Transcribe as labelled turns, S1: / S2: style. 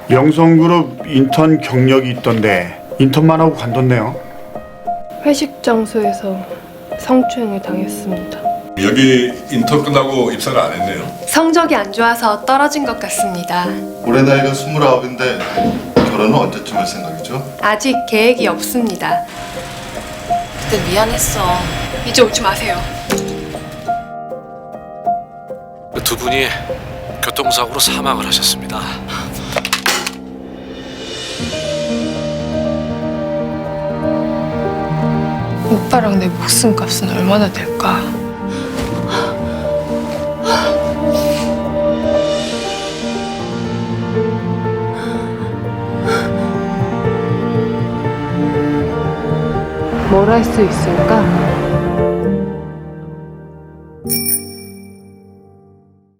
S1: 영성그룹 인턴 경력이 있던데 인턴만 하고 관뒀네요.
S2: 회식 장소에서 성추행을 당했습니다.
S3: 여기 인턴 끝나고 입사를 안 했네요.
S4: 성적이 안 좋아서 떨어진 것 같습니다.
S5: 올해 나이가 29인데 결혼은 언제쯤 할 생각이죠?
S4: 아직 계획이 없습니다.
S6: 그때 미안했어.
S4: 이제 오지 마세요.
S7: 두 분이 교통사고로 사망을 하셨습니다.
S2: 오빠랑 내 목숨값은 얼마나 될까? 뭘 할 수 있을까?